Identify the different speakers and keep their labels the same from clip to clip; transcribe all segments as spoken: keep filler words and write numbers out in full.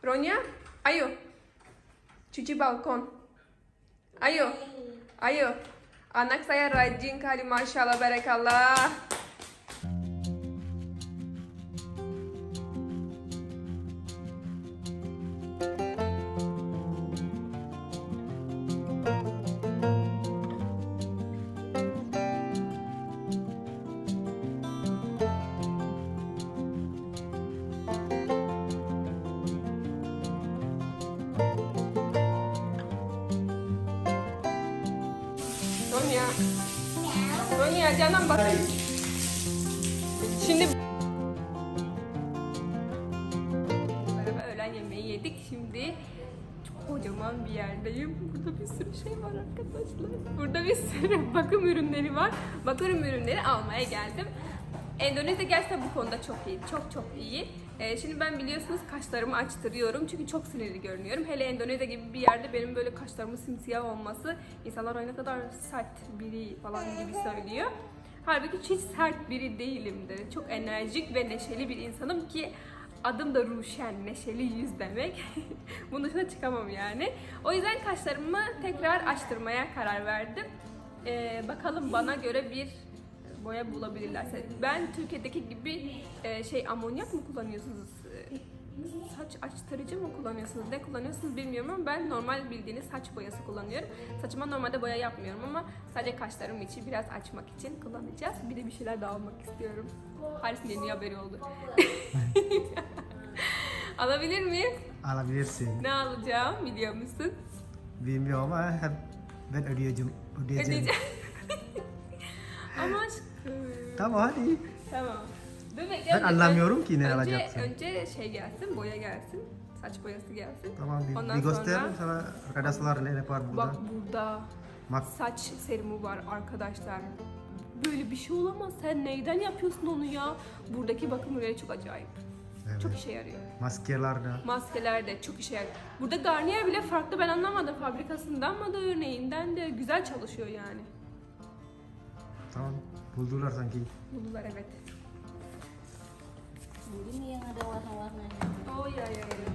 Speaker 1: Ronya, ayo. Cuci balkon. Ayo. Ayo. Anak saya rajin kali, Masya Allah, Barakallah. Ronya. Ronya canım bak. Şimdi öğlen yemeği yedik. Şimdi çok kocaman bir yerdeyim. Burada bir sürü şey var arkadaşlar. Burada bir sürü bakım ürünleri var. Bakım ürünleri almaya geldim. Endonezya gerçekten bu konuda çok iyi. Çok çok iyi. Ee, şimdi ben biliyorsunuz kaşlarımı açtırıyorum. Çünkü çok sinirli görünüyorum. Hele Endonezya gibi bir yerde benim böyle kaşlarımın simsiyah olması insanlar "Ay ne kadar sert biri" falan gibi söylüyor. Halbuki hiç sert biri değilimdir. Çok enerjik ve neşeli bir insanım ki adım da Ruşen, neşeli yüz demek. Bunun dışına çıkamam yani. O yüzden kaşlarımı tekrar açtırmaya karar verdim. Ee, bakalım bana göre bir boya bulabilirlerse. Ben Türkiye'deki gibi e, şey amonyak mı kullanıyorsunuz? E, saç açtırıcı mı kullanıyorsunuz? Ne kullanıyorsunuz bilmiyorum ama ben normal bildiğiniz saç boyası kullanıyorum. Saçıma normalde boya yapmıyorum ama sadece kaşlarım için biraz açmak için kullanacağız. Bir de bir şeyler daha almak istiyorum. Haris'in yeni haberi oldu. Alabilir miyim?
Speaker 2: Alabilirsin.
Speaker 1: Ne alacağım biliyor musun?
Speaker 2: Bilmiyorum ama hep ben ödeyeceğim. Ödeyeceğim.
Speaker 1: Ödeyeceğim. Ama aşkım.
Speaker 2: Tamam hadi.
Speaker 1: Tamam. Dur bekle.
Speaker 2: Ben anlamıyorum ki ne
Speaker 1: önce,
Speaker 2: alacaksın.
Speaker 1: Önce şey gelsin, boya gelsin. Saç boyası gelsin.
Speaker 2: Tamam bir,
Speaker 1: Ondan
Speaker 2: bir göster
Speaker 1: sonra-
Speaker 2: sana arkadaşlar ne yapar burada.
Speaker 1: Bak burada
Speaker 2: Bak
Speaker 1: saç serumu var arkadaşlar. Böyle bir şey olamaz. Sen neyden yapıyorsun onu ya? Buradaki bakım ürünleri çok acayip.
Speaker 2: evet.
Speaker 1: Çok işe yarıyor.
Speaker 2: Maskeler de.
Speaker 1: Maskeler de çok işe yarıyor. Burada Garnier bile farklı, ben anlamadım. Fabrikasından mı da örneğinden de güzel çalışıyor yani.
Speaker 2: Tamam buldular sanki.
Speaker 1: Buldular evet.
Speaker 3: Ini yang ada warna-warnanya.
Speaker 1: Oh ya ya ya.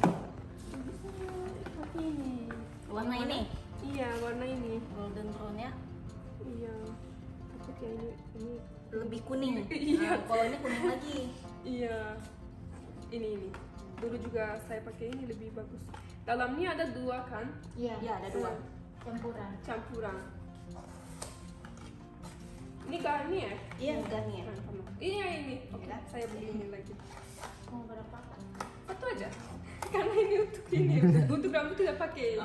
Speaker 3: Seperti ini. Warna ini,
Speaker 1: Iya warna ini.
Speaker 3: golden brown ya.
Speaker 1: Iya. Takut ya ini ini.
Speaker 3: Lebih kuning.
Speaker 1: Iya.
Speaker 3: Nah, kalau ini kuning lagi.
Speaker 1: Iya. Ini ini. Dulu juga saya pakai ini lebih bagus. Dalamnya ada dua kan?
Speaker 3: Iya, ya, ada dua.
Speaker 1: Hmm.
Speaker 3: Campuran.
Speaker 1: Campuran. Ini Garnier.
Speaker 3: Iya, Garnier.
Speaker 1: Nah, sama. Ini yang ini. Oke,
Speaker 3: Ya.
Speaker 1: saya beli ini lagi.
Speaker 3: Mau berapa?
Speaker 1: Satu aja. Karena ini untuk ini. Untuk rambut tidak pakai.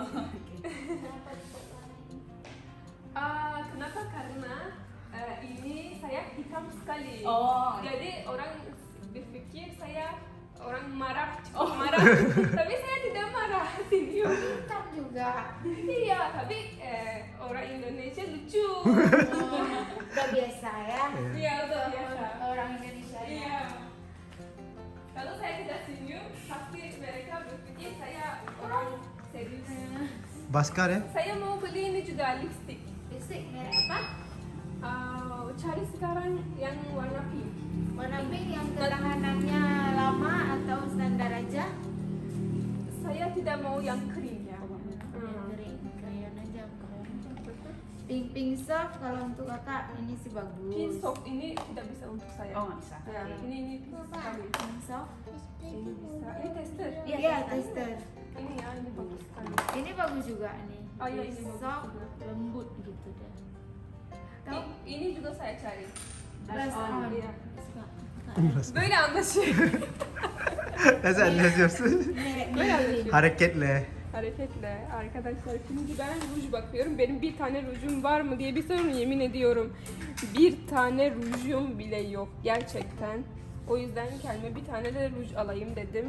Speaker 1: Ah, kenapa? Karena eh, ini saya hitam sekali.
Speaker 3: Oh.
Speaker 1: Jadi orang berpikir saya orang marah, cepat marah. Tapi saya tidak marah. Senyum.
Speaker 3: Hitam juga.
Speaker 1: Iya, tapi eh, orang Indonesia lucu.
Speaker 3: Udah biasa ya.
Speaker 1: Iya, udah biasa.
Speaker 3: Orang Indonesia ya.
Speaker 1: Iya. Kalau saya tidak senyum, pasti mereka berpikir saya orang serius.
Speaker 2: Baskar ya.
Speaker 1: Saya mau beli ini juga lipstick.
Speaker 3: Lipstick merek apa?
Speaker 1: Ah, cari sekarang yang warna pink.
Speaker 3: Warna pink yang ketahanannya lama atau standar aja?
Speaker 1: Saya tidak mau yang kering ya.
Speaker 3: Yang kering, crayon aja keren. Pink pink soft kalau untuk kakak ini sih bagus.
Speaker 1: Pink soft ini tidak bisa untuk saya.
Speaker 3: Oh, nggak bisa.
Speaker 1: Ya, ini ini pink sekali.
Speaker 3: Pink soft?
Speaker 1: Ini bisa. Ini tester.
Speaker 3: Iya, iya, tester.
Speaker 1: Ini ya, ini bagus sekali.
Speaker 3: Ini bagus juga nih.
Speaker 1: Oh, iya, ini bagus
Speaker 3: soft,
Speaker 1: juga.
Speaker 3: lembut gitu deh. Tahu?
Speaker 1: I- Ini juga saya cari.
Speaker 3: Brush on.
Speaker 1: Iya.
Speaker 3: Suka.
Speaker 1: Böyle anlaşıyor.
Speaker 2: Nasıl anlaşıyorsun?
Speaker 3: Merek
Speaker 1: Böyle anlaşıyor.
Speaker 2: Hareketle.
Speaker 1: Hareketle arkadaşlar, şimdi ben ruj bakıyorum. Benim bir tane rujum var mı diye bir sorun, yemin ediyorum. Bir tane rujum bile yok gerçekten. O yüzden kendime bir tane de ruj alayım dedim.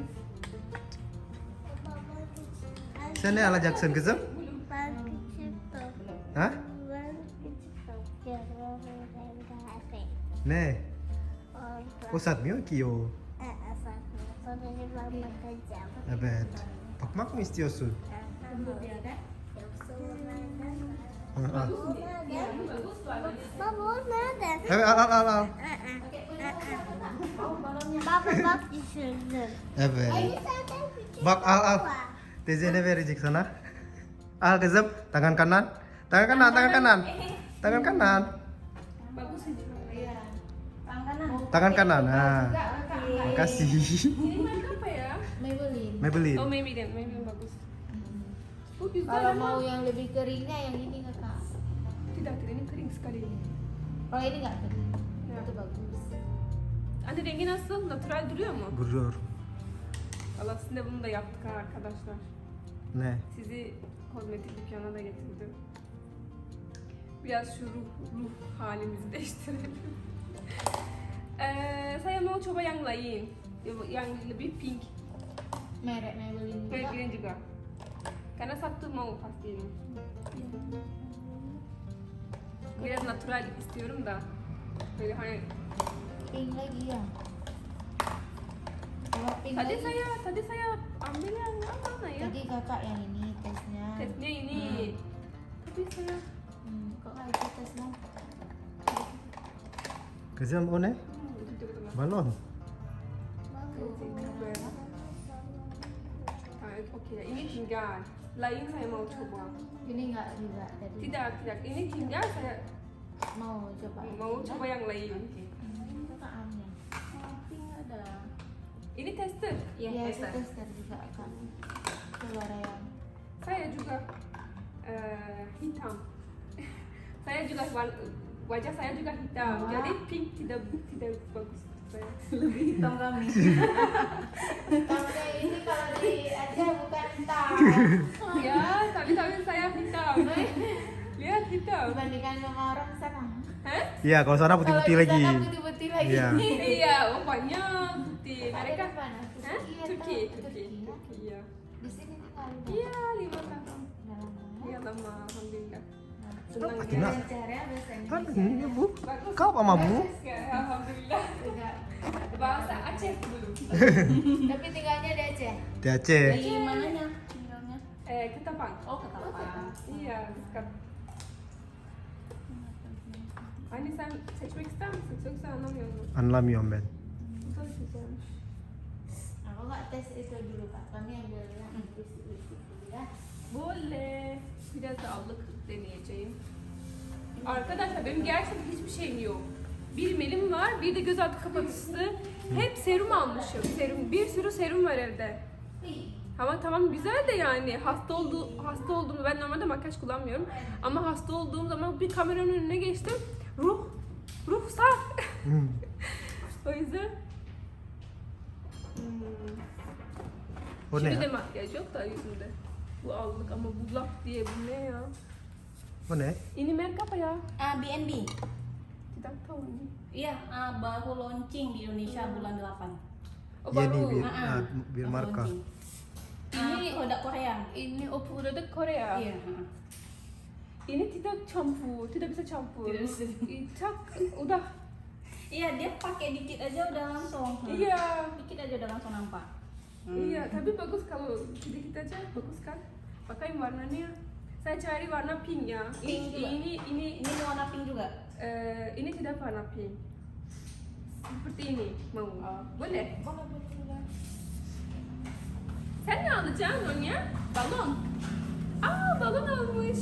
Speaker 2: Sen ne alacaksın kızım?
Speaker 4: Ben küçüktüm.
Speaker 2: Ha?
Speaker 4: Ben küçüktüm. Yarın
Speaker 2: Ne?
Speaker 4: orada.
Speaker 2: O satmıyor ki o.
Speaker 4: Ee, sakın. Sonra ben bakacağım.
Speaker 2: Evet. Bakmak mı istiyorsun?
Speaker 3: Lembut ya kan?
Speaker 2: Ha, al.
Speaker 1: Bagus warnanya.
Speaker 4: Baba o nerede?
Speaker 2: Evet al al al al.
Speaker 3: Pakai punya kakak. Mau balonnya?
Speaker 4: Baba bak düşürdüm.
Speaker 2: Evet.
Speaker 4: Ini zaten küçük
Speaker 2: Bak al al.
Speaker 4: baba.
Speaker 2: Teyze ne verecek sana? Al kızım. Tangan kanan. Tangan kanan, tangan kanan. Tangan kanan.
Speaker 1: Bagus ini.
Speaker 3: Iya.
Speaker 4: Tangan
Speaker 2: Tangan kanan. Nah.
Speaker 3: Juga kakak.
Speaker 2: Makasih.
Speaker 1: Ini merek apa ya?
Speaker 3: Maybelline.
Speaker 2: Maybelline.
Speaker 1: Oh Maybelline, Maybelline bagus. Oh güzel
Speaker 3: Kalau
Speaker 1: ama.
Speaker 3: mau yang lebih keringnya yang ini kakak.
Speaker 1: Tidak, tidak ini kering sekali.
Speaker 3: Kalau ini nggak kering,
Speaker 1: Ya.
Speaker 3: itu bagus.
Speaker 1: Anne rengi nasıl? Natural duruyor mu?
Speaker 2: Gurur.
Speaker 1: Allah sizinle bunu da yaptık ha arkadaşlar.
Speaker 2: Ne?
Speaker 1: Sizi kozmetik dükkanına da getirdim. Biraz şu ruh, ruh halimizi değiştirelim. Eh, saya mau coba yang lain, yang lebih pink,
Speaker 3: Merek Maybelline juga.
Speaker 1: Maybelline juga. Karena satu mau pasti ini. Biraz natural istiyorum da. Böyle hani
Speaker 3: Pink lagi ya. Kalau pink
Speaker 1: tadi
Speaker 3: lagi,
Speaker 1: saya tadi saya ambil yang mana ya?
Speaker 3: tadi kakak yang ini tesnya.
Speaker 1: Tesnya ini. Tapi saya
Speaker 3: Hmm, kok nggak ikut tesnya?
Speaker 2: Kızım o ne?
Speaker 1: hmm, itu coba teman.
Speaker 2: Balon.
Speaker 1: Tamam, okey. Ini tinggal. Lain saya mau coba.
Speaker 3: Ini nggak juga tadi.
Speaker 1: Tidak, tidak. Ini tinggal saya
Speaker 3: Mau coba.
Speaker 1: mau coba yang lain.
Speaker 3: Hmm, kakak ambil.
Speaker 4: Pink ada.
Speaker 1: Ini tester.
Speaker 3: Iya, itu tester juga kan. Keluar yang.
Speaker 1: Saya juga eh, hitam. Saya juga wa- wajah saya juga hitam.
Speaker 3: Wah.
Speaker 1: Jadi pink tidak tidak bagus untuk saya.
Speaker 3: Hitam kami. Kalau kayak ini kalau di aja bukan hitam.
Speaker 1: Ya, tapi tapi saya hitam. Lihat hitam.
Speaker 3: Dibandingkan sama orang sana.
Speaker 1: Hah?
Speaker 2: Iya, kalau sana putih-putih
Speaker 3: Kalau di
Speaker 2: lagi.
Speaker 3: sana putih-putih lagi.
Speaker 2: Iya.
Speaker 1: Iya, rupanya putih.
Speaker 3: Ada
Speaker 1: Mereka
Speaker 3: di mana?
Speaker 1: Hah?
Speaker 3: Iya,
Speaker 1: Turki,
Speaker 3: tahu.
Speaker 1: Turki,
Speaker 3: Turki.
Speaker 1: Turki, iya.
Speaker 3: Di sini tinggal.
Speaker 1: Iya, lima tahun.
Speaker 3: Udah lama.
Speaker 1: Iya lama, alhamdulillah.
Speaker 3: Nah,
Speaker 1: Senang
Speaker 2: Akhirnya-
Speaker 1: ya.
Speaker 3: Belajarnya bahasa
Speaker 2: Kan
Speaker 3: Indonesia.
Speaker 2: ini bu.
Speaker 1: Bagus.
Speaker 2: Kau apa sama bu?
Speaker 1: Ya, alhamdulillah.
Speaker 3: Juga.
Speaker 1: Bahasa Aceh dulu.
Speaker 3: Tapi tinggalnya di Aceh.
Speaker 2: Di Aceh.
Speaker 4: Di mananya tinggalnya?
Speaker 1: Eh, Ketapang.
Speaker 4: Oh, Ketapang.
Speaker 1: Iya, dekat. Hani sen seçmek ister misin? Yoksa anlamıyorum.
Speaker 2: Anlamıyorum ben.
Speaker 1: Güzel güzelmiş.
Speaker 3: Aku nggak tes itu dulu kak. Kami ambil yang bersih-bersih dulu ya.
Speaker 1: Boleh. Biraz da allık deneyeceğim. Arkadaşlar benim gerçekten hiçbir şeyim yok. Bir melim var, bir de göz altı kapatıcısı. Hep serum almışım. Serum, bir sürü serum var evde. Ama tamam güzel de yani hasta oldu hasta olduğumu ben normalde makyaj kullanmıyorum ama hasta olduğum zaman bir kameranın önüne geçtim. Ruh ruhsar.
Speaker 2: Hmm.
Speaker 1: O yüzden hmm.
Speaker 2: O ne
Speaker 1: Şimdi de
Speaker 2: ya?
Speaker 1: makyaj yok da yüzümde. Bu allık ama bu laf diye bu ne ya?
Speaker 2: O ne?
Speaker 1: Ini merek apa ya?
Speaker 4: Ah, B and B.
Speaker 1: Tidak tahu ini.
Speaker 4: Iya, ah, baru launching di Indonesia bulan delapan.
Speaker 1: O
Speaker 2: Yeni
Speaker 1: baru.
Speaker 2: bir,
Speaker 4: Ah,
Speaker 2: ah, bir
Speaker 4: baru
Speaker 2: marka.
Speaker 4: launching.
Speaker 1: Ini-
Speaker 4: Ah, produk Korea.
Speaker 1: Ini o produk Korea.
Speaker 4: Iya, ah.
Speaker 1: Ini tidak campur, tidak bisa campur.
Speaker 4: Tidak bisa.
Speaker 1: Tak, udah.
Speaker 4: Iya, dia pakai dikit aja udah langsung. Hmm.
Speaker 1: Iya.
Speaker 4: Dikit aja udah langsung nampak. Hmm.
Speaker 1: Iya, tapi bagus kalau sedikit aja bagus kan? Pakai warnanya. Saya cari warna pink ya.
Speaker 4: Pink
Speaker 1: Ini
Speaker 4: juga.
Speaker 1: ini ini
Speaker 4: Ini warna pink juga.
Speaker 1: eh, ini tidak warna pink. Seperti ini mau. Boleh?
Speaker 3: Boleh boleh.
Speaker 1: Sen ne alacaksın Nonya? Balon. Aa balon almış.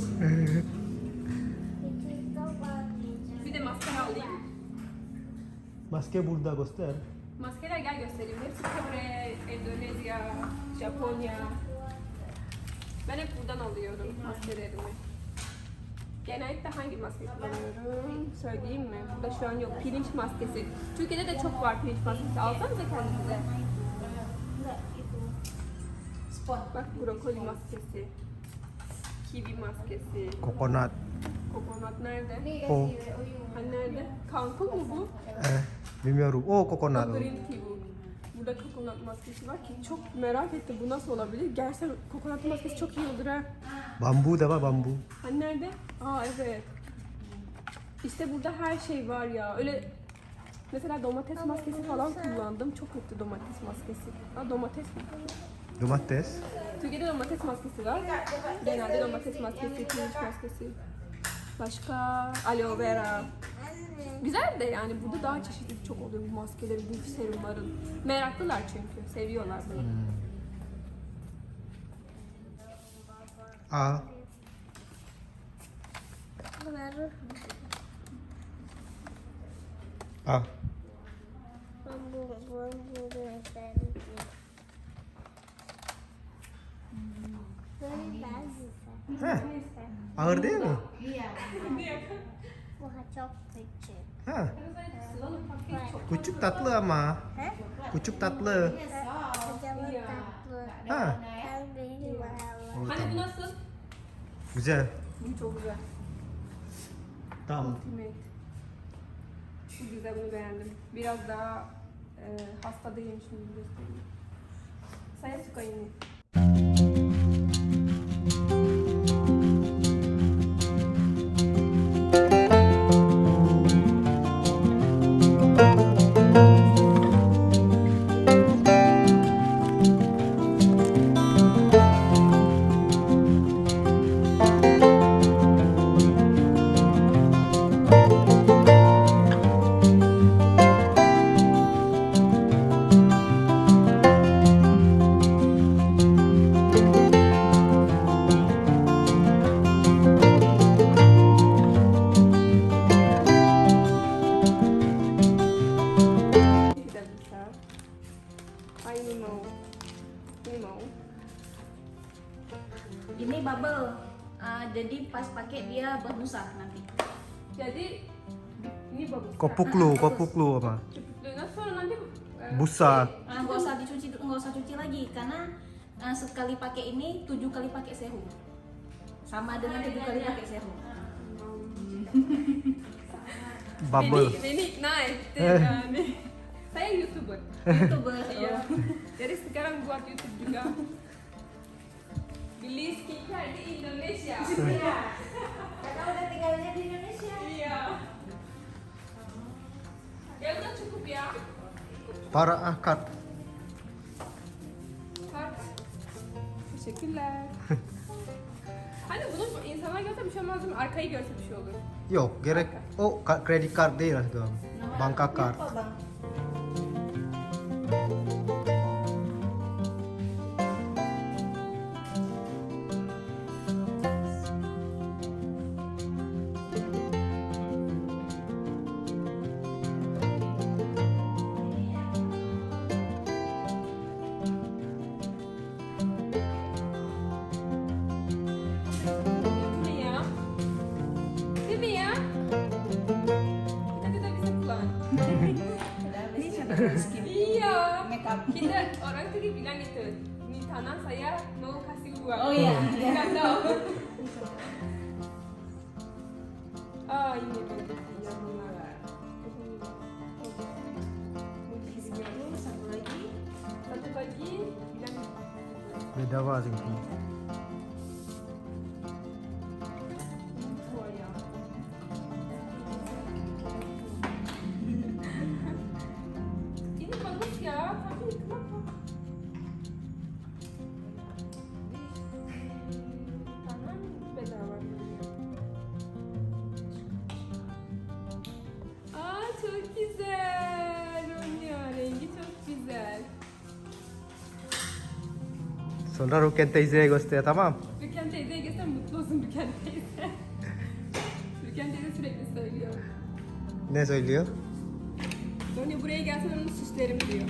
Speaker 1: Bir de maskara alayım.
Speaker 2: Maske burada göster.
Speaker 1: Maskeler gel göstereyim. Hepsi Kore, Endonezya, Japonya. Ben hep buradan alıyorum maskelerimi. Genellikle hangi maske kullanıyorum? Söyleyeyim mi? Burada şu an yok. Pirinç maskesi. Türkiye'de de çok var pirinç maskesi. Alsanıza kendinize.
Speaker 4: Enggak, itu. Spot.
Speaker 1: Bak brokoli maskesi. Kiwi maskesi.
Speaker 2: Kokonat.
Speaker 1: Kokonat nerede?
Speaker 3: Ini
Speaker 2: Oh.
Speaker 3: kasih O U.
Speaker 1: Hani nerede? Kangkung mu bu?
Speaker 2: Eh, bilmiyorum. O kokonat.
Speaker 1: O green tea bu. Burada kokonat maskesi var ki çok merak ettim bu nasıl olabilir? Gerçekten kokonat maskesi çok iyi olur ha.
Speaker 2: Bambu da var bambu.
Speaker 1: Hani nerede? Aa evet. İşte burada her şey var ya. Öyle mesela domates maskesi falan kullandım. Çok kötü domates maskesi. Aa domates mi?
Speaker 2: Domates.
Speaker 1: Türkiye'de domates maskesi var. Genelde domates maskesi, pirinç maskesi. Başka aloe vera. Güzel de yani burada daha çeşitli çok oluyor bu maskelerin, bu serumların. Meraklılar çünkü, seviyorlar bunu.
Speaker 2: Hmm. Al.
Speaker 4: Baru
Speaker 2: Al.
Speaker 4: membuang bunga tadi. Very bagus.
Speaker 2: Heh. Ağır değil mi?
Speaker 3: Iya.
Speaker 4: Wah, çok kecil.
Speaker 2: Ha.
Speaker 1: Selalu pakai çok.
Speaker 2: Küçük tatlı ama.
Speaker 4: Hah?
Speaker 2: Küçük tatlı.
Speaker 4: Kocaman
Speaker 1: Iya.
Speaker 4: tatlı.
Speaker 2: Ha.
Speaker 4: Yang ini mahal.
Speaker 2: Oh,
Speaker 1: Hani bu
Speaker 2: tamam.
Speaker 1: nasıl?
Speaker 2: Güzel.
Speaker 1: Bu çok güzel.
Speaker 2: Tamam.
Speaker 1: Ultimate. Çok güzel, bunu beğendim. Biraz daha e, hasta değilim şimdi göstereyim. Saya suka ini. Tidak bisa. Ah, ini mau. Ini mau.
Speaker 5: Ini bubble. Ah, jadi pas pakai dia berbusa nanti.
Speaker 1: Jadi ini bagus.
Speaker 2: Kopuklu, kopuklu apa?
Speaker 1: Nah, soalnya nanti eh,
Speaker 2: Busa.
Speaker 5: Ah, nggak usah dicuci, nggak usah cuci lagi karena ah, sekali pakai ini tujuh kali pakai serum. Sama dengan tujuh kali pakai serum.
Speaker 2: Bubble.
Speaker 1: Beni, beni ikna etti
Speaker 2: Eh.
Speaker 1: yani. Saya YouTuber.
Speaker 5: YouTuber.
Speaker 1: Iya. Jadi sekarang buat YouTube juga. Beli skincare di Indonesia. Iya.
Speaker 3: Kakak udah tinggalnya di Indonesia.
Speaker 1: Iya. Ya udah cukup ya.
Speaker 2: Para akad.
Speaker 1: Bak. Teşekkürler. Hani bunu insanlar görse bir şey olmaz değil mi? Arkayı görse bir şey olur.
Speaker 2: Yok, gerek. Oh, ka- credit card değil lah tuh. Banka card.
Speaker 5: Apa bang?
Speaker 1: Değil mi ya? Değil mi ya? Kita tidak bisa pulang.
Speaker 5: Ini cabai skin.
Speaker 1: Iya.
Speaker 5: Makeup.
Speaker 1: Kita orang tadi bilang itu, ini tanah saya mau kasih uang.
Speaker 5: Oh iya.
Speaker 1: Nggak tahu. Oh ini bagus yang mengalah.
Speaker 5: Satu lagi.
Speaker 1: Satu lagi bilang
Speaker 2: Beda apa sih?
Speaker 1: oh ya. Ini bagus ya, tapi kenapa? Di kanan beda warnanya. Aa çok güzel. Ronya rengi çok güzel.
Speaker 2: Sonra Ruken teyzeye göster, tamam.
Speaker 1: Rüken teyzeye gitsen mutlu olsun Rüken teyze. Rüken teyze sürekli söylüyor.
Speaker 2: Ne söylüyor?
Speaker 1: Ronya buraya gelsen onun şişlerim diyor.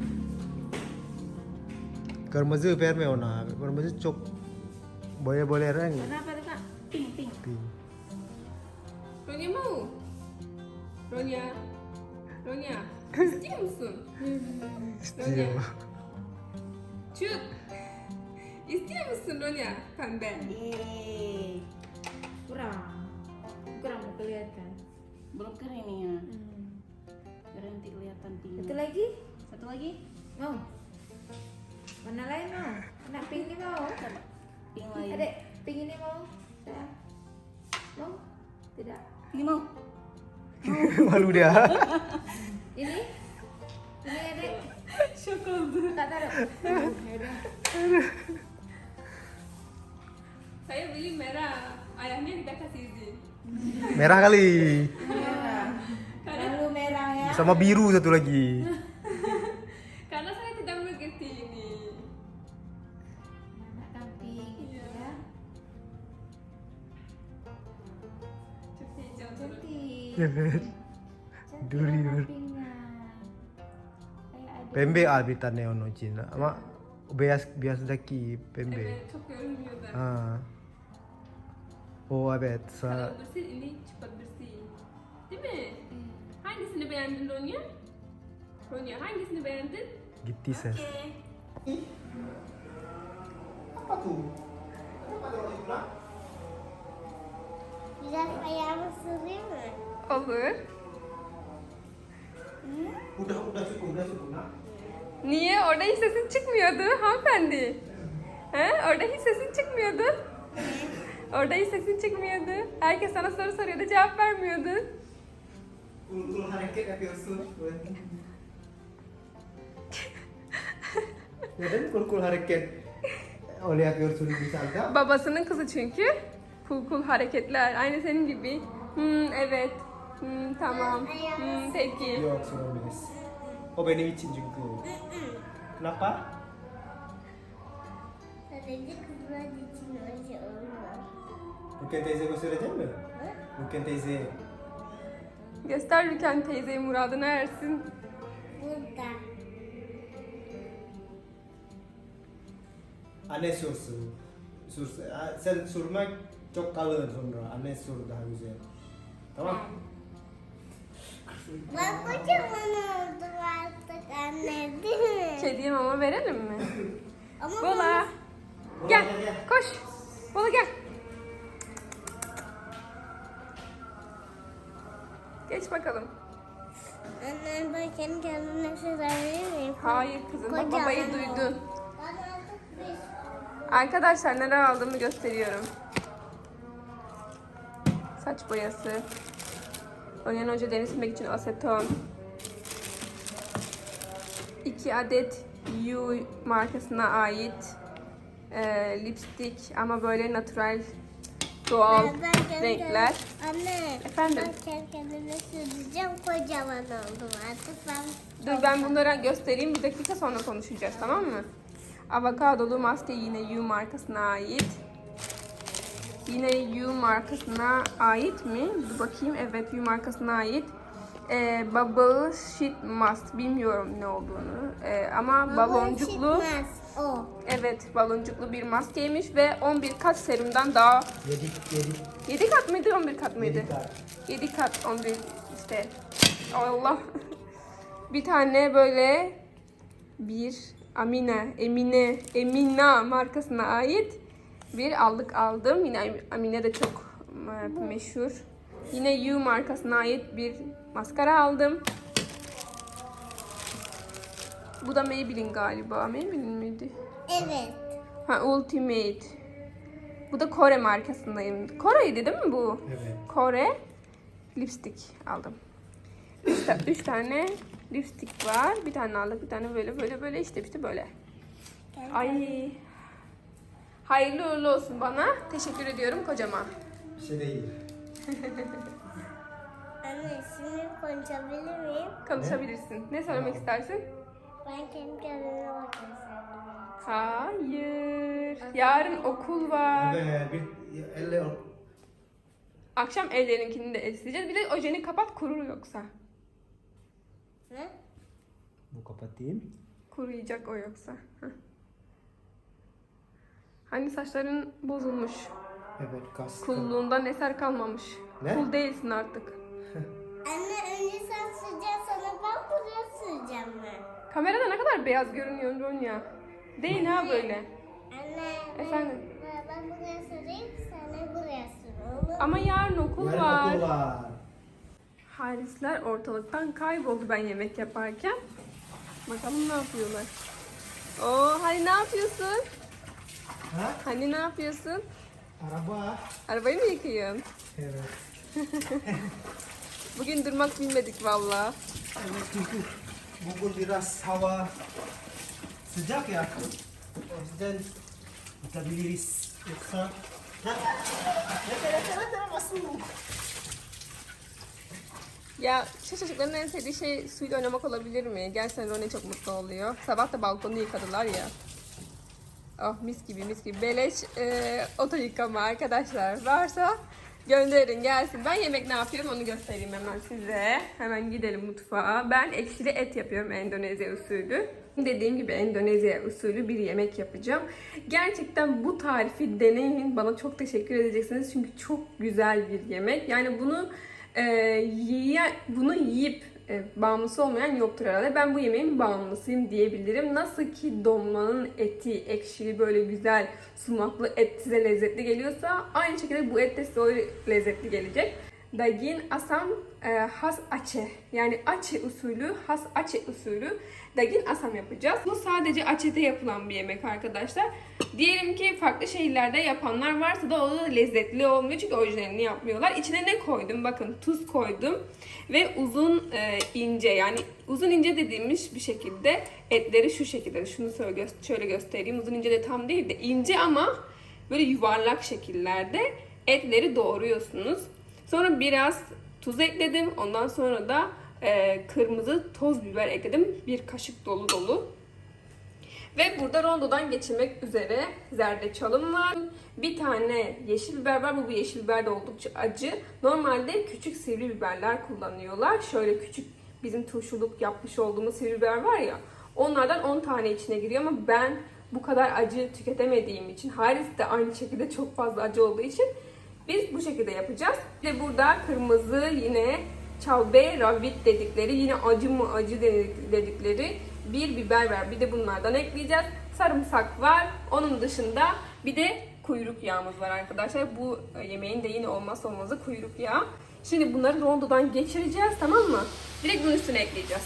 Speaker 2: Kırmızı verme ona. Kırmızı çok boleh-boleh renk.
Speaker 5: Kenapa tuh kak? Pink pink.
Speaker 2: Pink.
Speaker 1: Ronya mau? Ronya? Ronya? İstiyor musun?
Speaker 2: İstiyor.
Speaker 1: Cut! İstiyor musun Ronya? Pembe.
Speaker 3: Yeay. Kurang. Kurang mau kelihatan.
Speaker 5: Belum kering nih ya. Biar nanti kelihatan pink.
Speaker 3: Satu lagi?
Speaker 5: Satu lagi.
Speaker 3: Mau? Mana lain mau? Anak pink ini mau?
Speaker 5: Pink lain.
Speaker 3: Adek, pink ini mau? Sayang. Mau? Tidak.
Speaker 5: Ini mau.
Speaker 2: Malu dia.
Speaker 3: Ini? Ini adek.
Speaker 1: Şok oldu.
Speaker 3: Tak taruh. Ya udah.
Speaker 1: Saya beli merah. Ayahnya kita kasih izin.
Speaker 2: Merah kali.
Speaker 3: Merah.
Speaker 2: Sama biru satu lagi.
Speaker 1: Karena saya tidak mengerti ini.
Speaker 3: Anak kambing gitu ya.
Speaker 1: Çok heyecanlı.
Speaker 3: Cantik.
Speaker 2: Evet.
Speaker 3: Cantik
Speaker 2: Duri,
Speaker 3: anak
Speaker 2: Duri.
Speaker 3: kambingnya. Kayak adik.
Speaker 2: Pembe albitannya ono Cina. Ama beyaz beyaz daki pembe.
Speaker 1: Evet, çok görünmüyor da.
Speaker 2: Ha. Oh evet.
Speaker 1: Kalau
Speaker 2: Sa
Speaker 1: bersih ini cepat bersih. Değil mi? Hangisini beğendin Ronya? Ronya hangisini beğendin?
Speaker 2: gitti ses.
Speaker 1: Oke.
Speaker 2: Apa tuh? Kenapa ada roti pulang?
Speaker 4: Biraz ayağımı süreyim mi?
Speaker 1: Olur.
Speaker 2: Udah udah cukup udah cukup nak.
Speaker 1: Niye? Orada hiç sesin çıkmıyordu hanımefendi. He? Orada hiç sesin çıkmıyordu. Orada hiç sesin çıkmıyordu. Herkes sana soru soruyordu, cevap vermiyordu.
Speaker 2: Kul kul hareket yapıyorsun. Neden kul kul hareket? Oleh yapıyorsun bisa agak.
Speaker 1: Babasının kızı çünkü. Kul kul hareketler. Aynı senin gibi. Hmm, evet. Hmm, tamam. Hmm, peki.
Speaker 2: Yok Suromis. Oh benim için juga. Kenapa?
Speaker 4: Sadece kızlar için öyle olur.
Speaker 2: Bukan teyze göstereceğim mi? Bukan teyze.
Speaker 1: Göster Rüken teyzeyi muradına ersin.
Speaker 4: Burada.
Speaker 2: Anne sursun. Sur, sen surmak çok kalın sonra. Anne sur daha güzel. Tamam.
Speaker 4: Ben kocaman oldum artık anne değil mi?
Speaker 1: Kediye mama verelim mi?
Speaker 4: Ama
Speaker 1: Bola. Gel. Koş. Bola gel. Geç bakalım.
Speaker 4: Anne ben kendi kendime söyleyebilir miyim?
Speaker 1: Hayır kızım. Bak
Speaker 4: Kocaman
Speaker 1: babayı
Speaker 4: oldu.
Speaker 1: duydun.
Speaker 4: Ben artık bir
Speaker 1: Arkadaşlar neler aldığımı gösteriyorum. Saç boyası. Onyan Hoca deri silmek için aseton. iki adet You markasına ait e, lipstick ama böyle natural doğal
Speaker 4: Ben- ben kendi
Speaker 1: renkler.
Speaker 4: kendim- Anne.
Speaker 1: Efendim?
Speaker 4: Ben kendi kendime süreceğim. Kocaman oldum artık. Ben
Speaker 1: Dur ben bunları göstereyim. Bir dakika sonra konuşacağız, tamam mı? Avokadolu maske yine You markasına ait. Yine You markasına ait mi? Dur bakayım. Evet, You markasına ait. Ee, Bubble Sheet Mask. Bilmiyorum ne olduğunu. Ee, ama baloncuklu.
Speaker 4: Çıkmaz o.
Speaker 1: Evet, baloncuklu bir maskeymiş ve on bir kat serumdan daha
Speaker 2: Yedi yedi.
Speaker 1: yedi kat mıydı, on bir kat mıydı?
Speaker 2: Yedi kat.
Speaker 1: yedi kat, on bir işte. Allah. Bir tane böyle bir Amine, Emine, Emina markasına ait bir allık aldım. Yine Amine de çok e, meşhur. Yine You markasına ait bir maskara aldım. Bu da Maybelline galiba. Maybelline miydi?
Speaker 4: Evet.
Speaker 1: Ha, Ultimate. Bu da Kore markasındayım. Kore'ydi değil mi bu?
Speaker 2: Evet.
Speaker 1: Kore lipstick aldım. Üç, ta- üç tane lipstick var. Bir tane aldık, bir tane böyle böyle böyle işte işte böyle. Ay. Hayırlı uğurlu olsun bana. Teşekkür ediyorum kocaman.
Speaker 2: Bir şey değil.
Speaker 4: Anne şimdi konuşabilir miyim?
Speaker 1: Konuşabilirsin. Ne söylemek istersin?
Speaker 4: Ben kendi kendime bakıyorum.
Speaker 1: Hayır. Yarın okul var.
Speaker 2: Evet. Bir elle
Speaker 1: Akşam ellerinkini de sileceğiz. Bir de ojeni kapat, kurur yoksa.
Speaker 4: Ne?
Speaker 2: bu kapatayım.
Speaker 1: Kuruyacak o yoksa. Heh. Hani saçların bozulmuş.
Speaker 2: Evet kas.
Speaker 1: Kulluğundan eser kalmamış.
Speaker 2: Ne?
Speaker 1: Kul değilsin artık.
Speaker 4: Anne önce sen süreceksin sonra ben buraya süreceğim ben.
Speaker 1: Kamerada ne kadar beyaz görünüyorsun Ronya. Değil ha böyle.
Speaker 4: Anne ben,
Speaker 1: Efendim?
Speaker 4: ben, ben buraya süreyim sen de buraya sür. Olur mu?
Speaker 1: Ama yarın okul
Speaker 2: Yarın
Speaker 1: var.
Speaker 2: okul var.
Speaker 1: Harisler ortalıktan kayboldu ben yemek yaparken. Bakalım ne yapıyorlar. Oo, hani ne yapıyorsun?
Speaker 2: Ha?
Speaker 1: Hani ne yapıyorsun?
Speaker 2: Araba.
Speaker 1: Arabayı mı yıkıyorsun?
Speaker 2: Evet.
Speaker 1: Bugün durmak bilmedik valla.
Speaker 2: Evet çünkü bugün biraz hava sıcak ya. O yüzden yıkabiliriz. Yoksa... Ha? Yeter yeter yeter masuk.
Speaker 1: Ya şu çocukların en sevdiği şey suyla oynamak olabilir mi? Gerçekten Rone çok mutlu oluyor. Sabah da balkonu yıkadılar ya. Oh mis gibi mis gibi. Beleş e, oto yıkama arkadaşlar. Varsa gönderin gelsin. Ben yemek ne yapıyorum onu göstereyim hemen size. Hemen gidelim mutfağa. Ben ekşili et yapıyorum Endonezya usulü. Dediğim gibi Endonezya usulü bir yemek yapacağım. Gerçekten bu tarifi deneyin. Bana çok teşekkür edeceksiniz. Çünkü çok güzel bir yemek. Yani bunu e, yiye, bunu yiyip e, bağımlısı olmayan yoktur herhalde. Ben bu yemeğin bağımlısıyım diyebilirim. Nasıl ki dolmanın eti ekşili böyle güzel sumaklı et size lezzetli geliyorsa aynı şekilde bu et de size o lezzetli gelecek. Daging asam e, has Aceh. Yani Aceh usulü, has Aceh usulü daging asam yapacağız. Bu sadece Aceh'te yapılan bir yemek arkadaşlar. Diyelim ki farklı şehirlerde yapanlar varsa da o da lezzetli olmuyor çünkü orijinalini yapmıyorlar. İçine ne koydum? Bakın tuz koydum ve uzun e, ince, yani uzun ince dediğimiz bir şekilde etleri şu şekilde. Şunu şöyle, şöyle göstereyim. Uzun ince de tam değil de ince ama böyle yuvarlak şekillerde etleri doğruyorsunuz. Sonra biraz tuz ekledim. Ondan sonra da e, kırmızı toz biber ekledim. Bir kaşık dolu dolu. Ve burada rondodan geçirmek üzere zerdeçalım var. Bir tane yeşil biber var. Bu yeşil biber de oldukça acı. Normalde küçük sivri biberler kullanıyorlar. Şöyle küçük bizim turşuluk yapmış olduğumuz sivri biber var ya. Onlardan on tane içine giriyor ama ben bu kadar acı tüketemediğim için, Haris de aynı şekilde çok fazla acı olduğu için biz bu şekilde yapacağız. Ve burada kırmızı yine cabe rawit dedikleri, yine acı mı acı dedikleri bir biber var. Bir de bunlardan ekleyeceğiz. Sarımsak var. Onun dışında bir de kuyruk yağımız var arkadaşlar. Bu yemeğin de yine olmazsa olmazı kuyruk yağı. Şimdi bunları rondodan geçireceğiz, tamam mı? Direkt bunun üstüne ekleyeceğiz.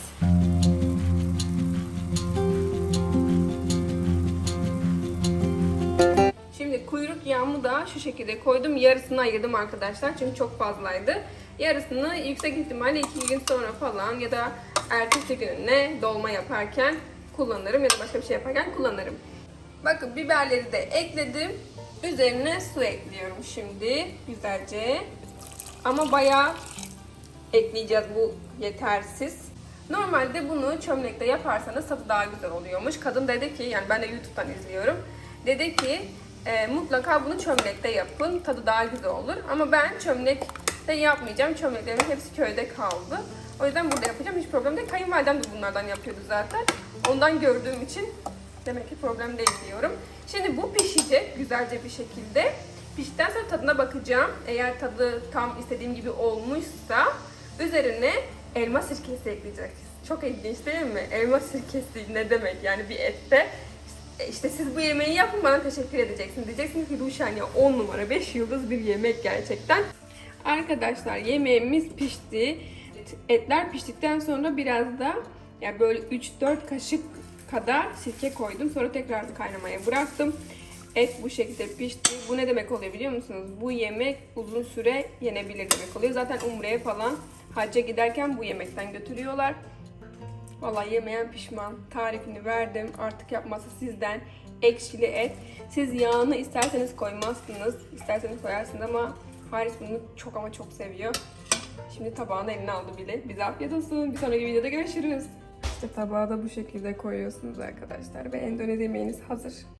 Speaker 1: Şimdi kuyruk yağımı da şu şekilde koydum. Yarısını ayırdım arkadaşlar çünkü çok fazlaydı. Yarısını yüksek ihtimalle iki gün sonra falan ya da ertesi gününe dolma yaparken kullanırım ya da başka bir şey yaparken kullanırım. Bakın biberleri de ekledim. Üzerine su ekliyorum şimdi güzelce. Ama bayağı ekleyeceğiz, bu yetersiz. Normalde bunu çömlekte yaparsanız tadı daha güzel oluyormuş. Kadın dedi ki, yani ben de YouTube'dan izliyorum. Dedi ki e, mutlaka bunu çömlekte yapın, tadı daha güzel olur. Ama ben çömlekte yapmayacağım. Çömleklerimin hepsi köyde kaldı. O yüzden burada yapacağım. Hiç problem değil. Kayınvalidem de bunlardan yapıyordu zaten. Ondan gördüğüm için demek ki problem değil diyorum. Şimdi bu pişecek güzelce bir şekilde. Piştikten sonra tadına bakacağım. Eğer tadı tam istediğim gibi olmuşsa üzerine elma sirkesi ekleyeceğiz. Çok ilginç değil mi? Elma sirkesi ne demek yani bir ette? İşte siz bu yemeği yapın, bana teşekkür edeceksiniz. Diyeceksiniz ki Ruşen ya on numara beş yıldız bir yemek gerçekten. Arkadaşlar yemeğimiz pişti. Etler piştikten sonra biraz da yani böyle üç dört kaşık kadar sirke koydum. Sonra tekrar kaynamaya bıraktım. Et bu şekilde pişti. Bu ne demek oluyor biliyor musunuz? Bu yemek uzun süre yenebilir demek oluyor. Zaten Umre'ye falan hacca giderken bu yemekten götürüyorlar. Vallahi yemeyen pişman. Tarifini verdim. Artık yapması sizden. Ekşili et. Siz yağını isterseniz koymazsınız, isterseniz koyarsınız ama Haris bunu çok ama çok seviyor. Şimdi tabağını eline aldı bile. Bize afiyet olsun. Bir sonraki videoda görüşürüz. İşte tabağı da bu şekilde koyuyorsunuz arkadaşlar ve Endonezya yemeğiniz hazır.